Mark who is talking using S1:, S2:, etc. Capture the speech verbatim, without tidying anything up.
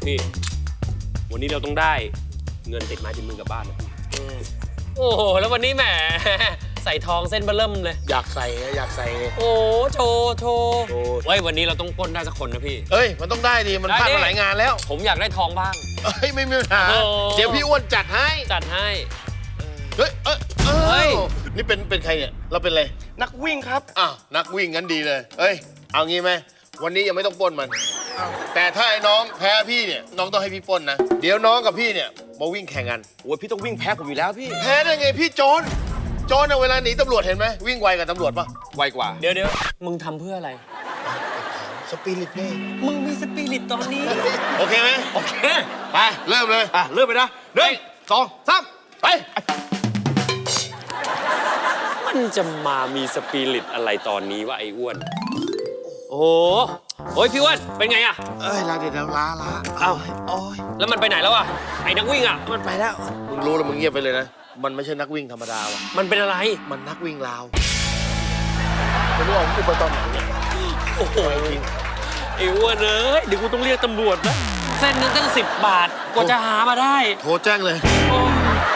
S1: พี่วันนี้เราต้องได้เงินติดไม้ติดมือกลับบ้านนะพี่โอ้โหแล้ววันนี้แหมใส่ทองเส้นเบอร์เริ่มเลย
S2: อยากใส่อยากใส่เลย
S1: โอ้โชว์โชว์เฮ้ยวันนี้เราต้องปล้นได้สักคนนะพี่
S2: เอ้ยมันต้องได้ดิมันพลาดมาหลายงานแล้ว
S1: ผมอยากได้ทองบ้าง
S2: เอ้ยไม่มีปัญหาเดี๋ยวพี่อ้วนจัดให้
S1: จัดให้
S2: เฮ้ยเอ้ยเฮ้ยนี่เป็นเป็นใครเนี่ยเราเป็นอะไร
S3: นักวิ่งครับ
S2: อ้าวนักวิ่งงั้นดีเลยเอ้ยเอางี้ไหมวันนี้ยังไม่ต้องปล้นมันแต่ถ้าไอ้น้องแพ้พี่เนี่ยน้องต้องให้พี่ปล้นนะเดี๋ยวน้องกับพี่เนี่ยมาวิ่งแข่งกัน
S3: โอ้ยพี่ต้องวิ่งแพ้ผมอยู่แล้วพี่
S2: แพ้ได้ไงพี่โจรโจรเอาเวลาหนีตำรวจเห็นไหมวิ่งไวกับตำรวจปะ
S3: ไวกว่า
S1: เดี๋ยวเดี๋ยวมึงทำเพื่ออะไร
S2: สปิริตไง
S1: มึงมีสปิริตตอนนี้
S2: โอเคไหม
S3: โอเค
S2: ไปเริ่มเลย
S3: อ่ะเริ่มไปนะหนึ่งสองสามไป
S1: มันจะมามีสปิริตอะไรตอนนี้วะไอ้อ้วนโอ้โหโอ้ยพี่อ้วนเป็นไงอะ
S2: เอ้ยลาเดี๋ยวลาลา
S1: เอ้า
S2: โอ้ย
S1: แล้วมันไปไหนแล้วอะไอ้นักวิ่งอะ
S2: มันไปแล้วมึงรู้แล้วมึงเงียบไปเลยนะมันไม่ใช่นักวิ่งธรรมดาว่ะ
S1: มันเป็นอะไร
S2: มันนักวิ่งลาวไม่รู้เอากูไปตอนไหนเนี่ย
S1: โอ้โหไอ้อ้วนเอ้ยเดี๋ยวกูต้องเรียกตำรวจนะเส้นนึงตั้งสิบบาทกว่าจะหามาได้
S2: โทรแจ้งเลย
S1: โอ้